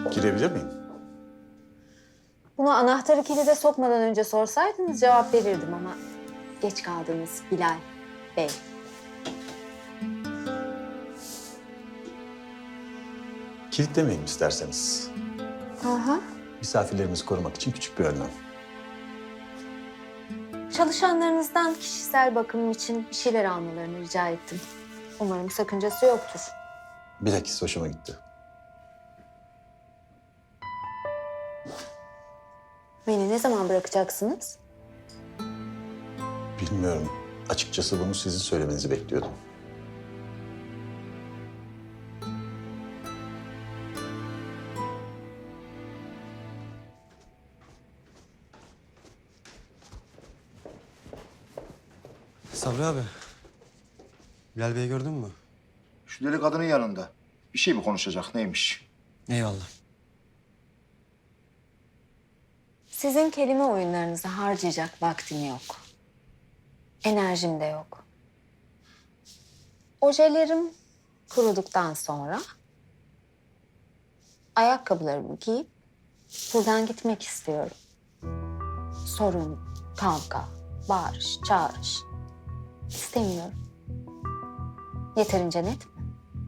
Girebilir miyim? Bunu anahtarı kilide sokmadan önce sorsaydınız cevap verirdim ama geç kaldınız Bilal Bey. Kilitlemeyin isterseniz. Aha. Misafirlerimizi korumak için küçük bir önlem. Çalışanlarınızdan kişisel bakımım için bir şeyler almalarını rica ettim. Umarım sakıncası yoktur. Bilakis hoşuma gitti. Beni ne zaman bırakacaksınız? Bilmiyorum. Açıkçası bunu sizin söylemenizi bekliyordum. Sabri abi. Bilal Bey'i gördün mü? Şu deli kadının yanında. Bir şey mi konuşacak, neymiş? Eyvallah. Sizin kelime oyunlarınızı harcayacak vaktim yok. Enerjim de yok. Ojelerim kuruduktan sonra ayakkabılarımı giyip buradan gitmek istiyorum. Sorun, kavga, bağırış, çağırış istemiyorum. Yeterince net mi?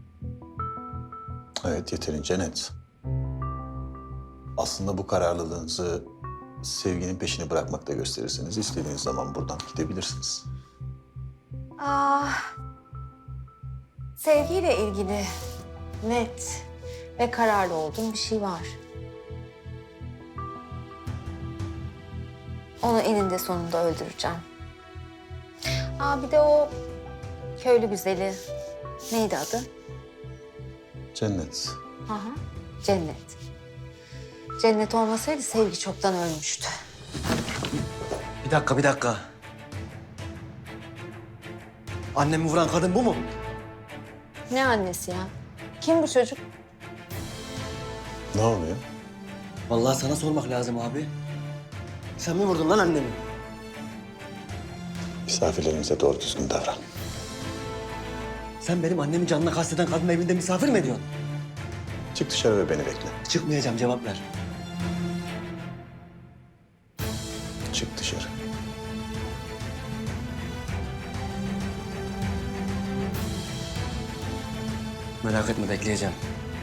Evet, yeterince net. Aslında bu kararlılığınızı sevginin peşini bırakmakta gösterirseniz istediğiniz zaman buradan gidebilirsiniz. Sevgiyle ilgili net ve kararlı olduğum bir şey var. Onu eninde sonunda öldüreceğim. Bir de o köylü güzeli neydi adı? Cennet. Aha, Cennet. Cennet olmasaydı sevgi çoktan ölmüştü. Bir dakika. Annemi vuran kadın bu mu? Ne annesi ya? Kim bu çocuk? Ne oluyor? Vallahi sana sormak lazım abi. Sen mi vurdun lan annemi? Misafirlerimize doğru düzgün davran. Sen benim annemin canına kasteden kadının evinde misafir mi ediyorsun? Çık dışarı ve beni bekle. Çıkmayacağım, cevap ver. Çık dışarı. Merak etme, bekleyeceğim.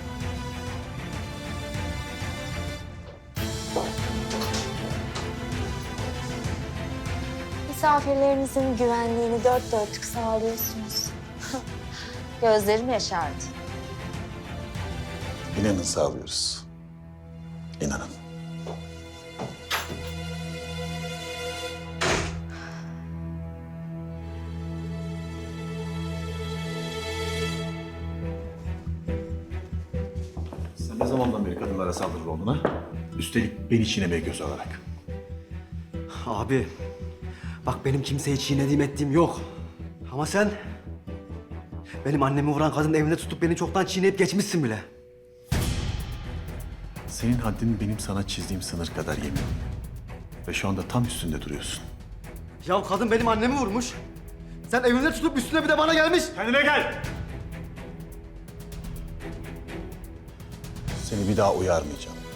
Misafirlerinizin güvenliğini dört dörtlük sağlıyorsunuz. Gözlerim yaşardı. İnanın sağlıyoruz. İnanın. Sen ne zamandan beri kadınlara saldırır oldun ha? Üstelik beni çiğnemeye göz alarak. Abi, bak benim kimseyi çiğnediğim ettiğim yok. Ama sen... benim annemi vuran kadının evinde tutup beni çoktan çiğneyip geçmişsin bile. Senin haddin benim sana çizdiğim sınır kadar yemin. Ve şu anda tam üstünde duruyorsun. Ya kadın benim annemi vurmuş. Sen evinde tutup üstüne bir de bana gelmiş. Kendine gel! Seni bir daha uyarmayacağım.